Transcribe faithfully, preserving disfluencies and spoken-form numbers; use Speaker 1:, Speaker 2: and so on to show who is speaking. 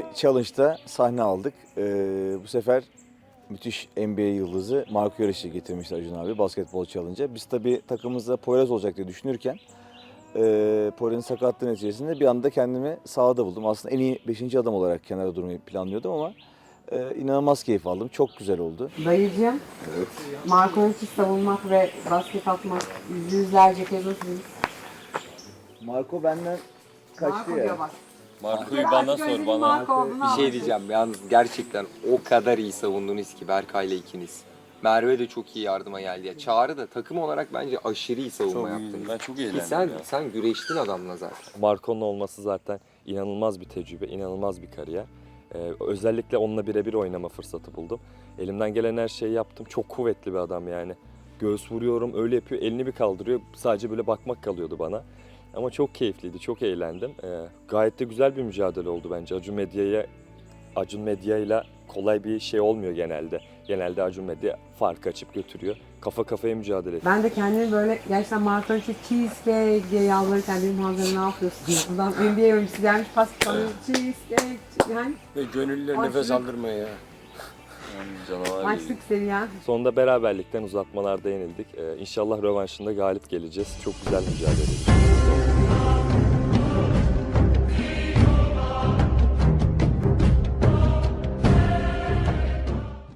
Speaker 1: challenge'da sahne aldık. Ee, bu sefer müthiş N B A yıldızı Marco Yarış'ı getirmişti Acun abi basketbol challenge'a. Biz tabii takımımızda Poyraz olacak diye düşünürken e, Poyraz'ın sakatlığı neticesinde bir anda kendimi sahada buldum. Aslında en iyi beşinci adam olarak kenarda durmayı planlıyordum ama e, inanılmaz keyif aldım. Çok güzel oldu.
Speaker 2: Dayıcığım,
Speaker 1: Evet.
Speaker 2: Marco'yu savunmak ve basket atmak yüz yüzlerce kez nasılsınız?
Speaker 1: Marco benden kaçtı
Speaker 2: Marco
Speaker 1: ya.
Speaker 2: diyor bak.
Speaker 3: Marco'yu bana sor bana.
Speaker 2: Marco olduğunu
Speaker 4: Bir şey
Speaker 2: anlaşıldı.
Speaker 4: diyeceğim yalnız gerçekten o kadar iyi savundunuz ki Berkay'la ikiniz. Merve de çok iyi yardıma geldi ya. Çağrı da takım olarak bence aşırı iyi savunma
Speaker 3: Çok
Speaker 4: yaptınız.
Speaker 3: iyiydim. Ben çok
Speaker 4: Ki
Speaker 3: eğlendim
Speaker 4: sen,
Speaker 3: ya.
Speaker 4: sen güreştin adamla zaten.
Speaker 5: Marco'nun olması zaten inanılmaz bir tecrübe, inanılmaz bir kariyer. Ee, özellikle onunla birebir oynama fırsatı buldum. Elimden gelen her şeyi yaptım. Çok kuvvetli bir adam yani. Göğüs vuruyorum, öyle yapıyor, elini bir kaldırıyor. Sadece böyle bakmak kalıyordu bana. Ama çok keyifliydi, çok eğlendim. Ee, gayet de güzel bir mücadele oldu bence. Acun Medya'ya, Acun Medya'yla kolay bir şey olmuyor genelde. Genelde Acun Medya fark açıp götürüyor. Kafa kafaya mücadele ediyor.
Speaker 2: Ben de kendimi böyle gerçekten Marco'nun işte cheesecake diye yalvarırken dedim Hazır ne yapıyorsun? Buradan N B A oyuncusu gelmiş pas sanıyor cheesecake yani
Speaker 6: Ve gönüllüler
Speaker 2: Ay,
Speaker 6: nefes
Speaker 2: şunu-
Speaker 6: aldırmaya ya.
Speaker 3: Canavar gibi.
Speaker 2: maçlık seviyen.
Speaker 5: Sonunda beraberlikten uzatmalarda yenildik. Ee, inşallah rövanşında galip geleceğiz. Çok güzel mücadele edeceğiz.